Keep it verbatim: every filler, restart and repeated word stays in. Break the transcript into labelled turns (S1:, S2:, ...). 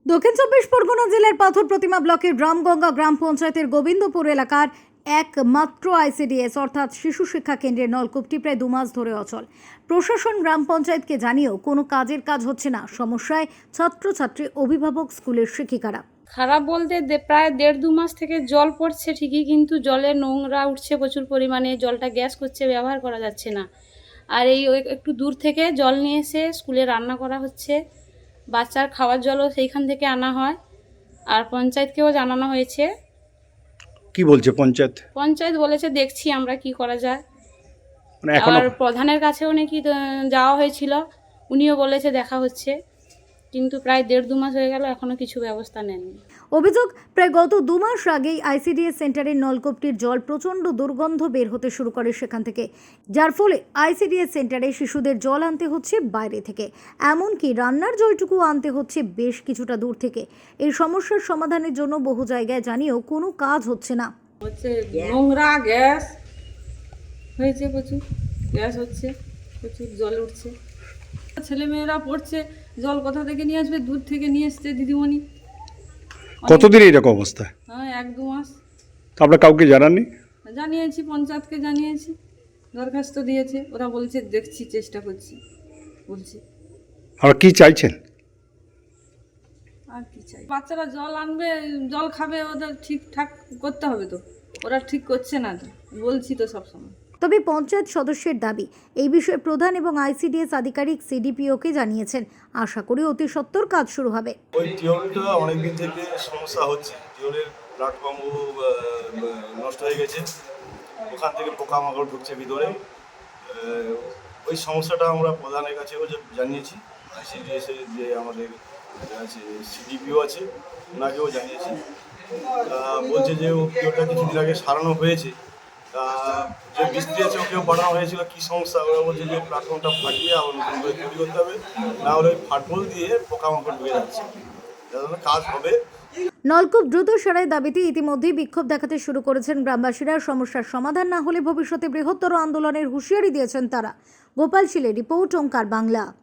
S1: দক্ষিণ চব্বিশ পরগনা জেলার পাথর প্রতিমা ব্লকের রামগঙ্গা গ্রাম পঞ্চায়েতের গোবিন্দপুর এলাকার একমাত্র আইসিডিএস অর্থাৎ শিশু শিক্ষা কেন্দ্রের নলকূপটি প্রায় দু মাস ধরে অচল। প্রশাসন গ্রাম পঞ্চায়েতকে জানিয়েও কোনো কাজের কাজ হচ্ছে না। সমস্যায় ছাত্রছাত্রী, অভিভাবক, স্কুলের শিক্ষিকারা।
S2: খারাপ বলতে দে- প্রায় দেড় দু মাস থেকে জল পড়ছে ঠিকই, কিন্তু জলে নোংরা উঠছে প্রচুর পরিমাণে, জলটা গ্যাস করছে, ব্যবহার করা যাচ্ছে না। আর এই ওই একটু দূর থেকে জল নিয়ে এসে স্কুলে রান্না করা হচ্ছে, বাচ্চার খাওয়ার জলও সেইখান থেকে আনা হয়। আর পঞ্চায়েতকেও জানানো হয়েছে,
S3: কি বলছে পঞ্চায়েত?
S2: পঞ্চায়েত বলেছে দেখছি আমরা কি করা যায়।
S3: মানে এখনো
S2: আর প্রধানের কাছেও নাকি আহ, যাওয়া হয়েছিল, উনিও বলেছে দেখা হচ্ছে, কিন্তু প্রায় দেড় দু মাস হয়ে গেল এখনো কিছু ব্যবস্থা নেননি।
S1: অভিযোগ, প্রায় গত দু মাস আগেই আইসিডিএস সেন্টারের নলকূপটির জল প্রচণ্ড দুর্গন্ধ বের হতে শুরু করে সেখান থেকে, যার ফলে আইসিডিএস সেন্টারে শিশুদের জল আনতে হচ্ছে বাইরে থেকে, এমনকি রান্নার জলটুকু আনতে হচ্ছে বেশ কিছুটা দূর থেকে। এই সমস্যার সমাধানের জন্য বহু জায়গায় জানিয়েও কোনো কাজ হচ্ছে না।
S4: হচ্ছে নোংরা গ্যাস হয়েছে, প্রচুর গ্যাস হচ্ছে, প্রচুর জল উঠছে। ছেলেমেয়েরা পড়ছে, জল কোথা থেকে নিয়ে আসবে? দূর থেকে নিয়ে এসছে দিদিমণি।
S3: কতদিন এরকম অবস্থা?
S4: হ্যাঁ, এক দু মাস।
S3: তো আপনারা কাউকে জানাননি?
S4: জানিয়েছি, পঞ্চায়েতকে জানিয়েছি, দরখাস্ত দিয়েছে, ওরা বলছে দেখছি, চেষ্টা করছি বলছি।
S3: আপনারা কি চাইছেন?
S4: আর কি চাই? বাচ্চারা জল আনবে, জল খাবে, ওদের ঠিকঠাক করতে হবে তো, ওরা ঠিক করছে না তো, বলছি তো সবসময়।
S1: তবে পঞ্চায়েত সদস্যের দাবি, এই বিষয়ে প্রধান এবং আইসিডিএস আধিকারিক সিডিপিওকে জানিয়েছেন। আশা করি অতি সত্বর কাজ শুরু হবে।
S5: ওই টিউবটা অনেকদিন থেকে সমস্যা হচ্ছে, টিউবের প্ল্যাটফর্ম নষ্ট হয়ে গেছে, ওখান থেকে পোকামাকড় ঢুকছে ভিতরে। আহ, ওই সমস্যাটা আমরা প্রধানের কাছেও যে জানিয়েছি, আইসিডিএস এর যে আমাদের আছে সিডিপিও আছে, ওনাকেও জানিয়েছি। তা বলছে যে ও টিউবটা কিছুদিন আগে সারানো হয়েছে, তা যে মিস্ত্রি আছে ওকেও পাঠানো হয়েছিল, কী সমস্যা ওরা বলছে যে প্ল্যাটফর্মটা ফাটিয়ে আবার নতুন করে তৈরি করতে হবে, না হলে ওই ফাটবল দিয়ে পোকামাকড় ঢুকে যাচ্ছে, যাতে কাজ হবে।
S1: নলকূপ দ্রুত সারাই দাবিতে ইতিমধ্যেই বিক্ষোভ দেখাতে শুরু করেছেন গ্রামবাসীরা। সমস্যার সমাধান না হলে ভবিষ্যতে বৃহত্তর আন্দোলনের হুঁশিয়ারি দিয়েছেন তারা। গোপাল শীলের রিপোর্ট, ওঙ্কার বাংলা।